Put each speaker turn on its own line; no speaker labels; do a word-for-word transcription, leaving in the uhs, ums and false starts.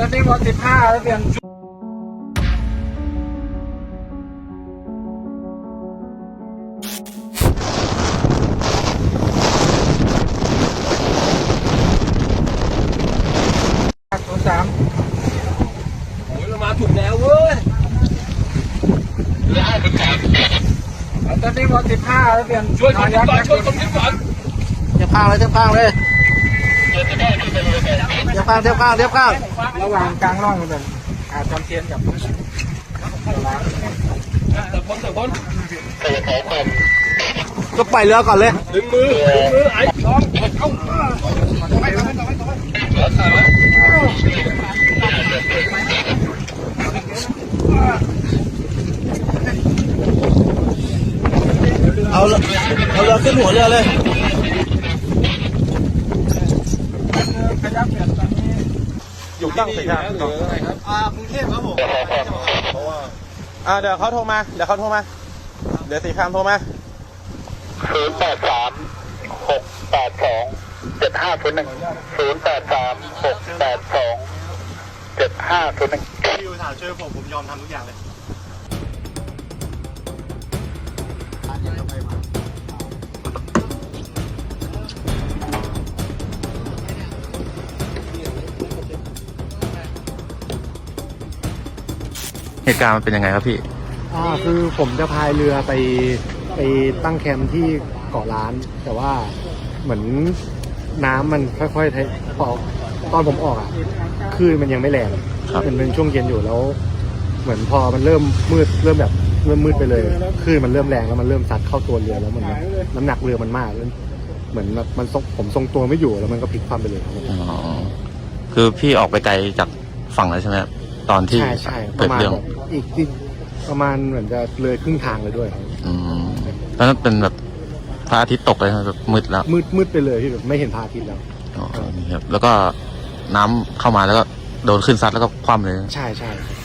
ตอนนี้วันสิบห้าแล้วเดือนศูนย์สามโอ้ยเรามาถูกแล้วเว้ยตอนนี้วันสิบห้าแล้วเดือนช่วยคนนี้ก่อนช่วยคนนี้ก่อนเทียบข้างเลยเทียบข้างเลยเทียบข้างเทียบข้างเทียบข้างระหว่างกลางร่องเลยอาจำเทียนกับแต่พ้นแต่พ้นก็ไปเรือก่อนเลยดึงมือดึงมือไอ้น้องเข้าไปไปไปเอาเอาเรือขึ้นหัวเรือเลยอยู่ตั้งสิครับหรืออะไรครับอ่ากรุงเทพครับผมเพราะว่าอ่าเดี๋ยวเขาโทรมาเดี๋ยวเขาโทรมาเดี๋ยวสีคำโทรมาศูนย์แปดสามหกแปดสองเจ็ดห้าศูนย์หนึ่งศูนย์แปดสามหกแปดสองเจ็ดห้าศูนย์หนึ่งพี่อยู่ถามช่วยผมผมยอมทำทุกอย่างเลย
เหตุการณ์มันเป็นยังไงครับพี่
อ่าคือผมจะพายเรือไปไปตั้งแคมป์ที่เกาะล้าน แต่ว่าเหมือนน้ำมันค่อยๆพอตอนผมออกอ่ะคลื่นมันยังไม่แรงมันเป็นช่วงเย็นอยู่แล้ว เหมือนพอมันเริ่มมืดเริ่มแบบเริ่มมืดไปเลยคลื่นมันเริ่มแรงแล้วมันเริ่มซัดเข้าตัวเรือแล้วมันน้ำหนักเรือมันมากแล้วเหมือนมันผมทรงตัวไม่อยู่แล้วมันก็พลิกความไปเลย
อ๋อ คือพี่ออกไปไกลจากฝั่งแล้วใช่ไหมตอนที่
ใช่ใช่ป
เกิด
ระมาณ
เรื่อง
แบบอีกอีกประมาณเหมือนจะเลยครึ่งทางเลยด้วย
อืมแล้วนั้นเป็นแบบพระอาทิตย์ตกเลยนะแบบมืดแล้ว
มืดมืดไปเลยที่แบบไม่เห็นพระอาทิตย์แล้ว
อ๋อนี่ครับแล้วก็น้ำเข้ามาแล้วก็โดนขึ้นซัดแล้วก็คว่ำเลย
ใช่ใช่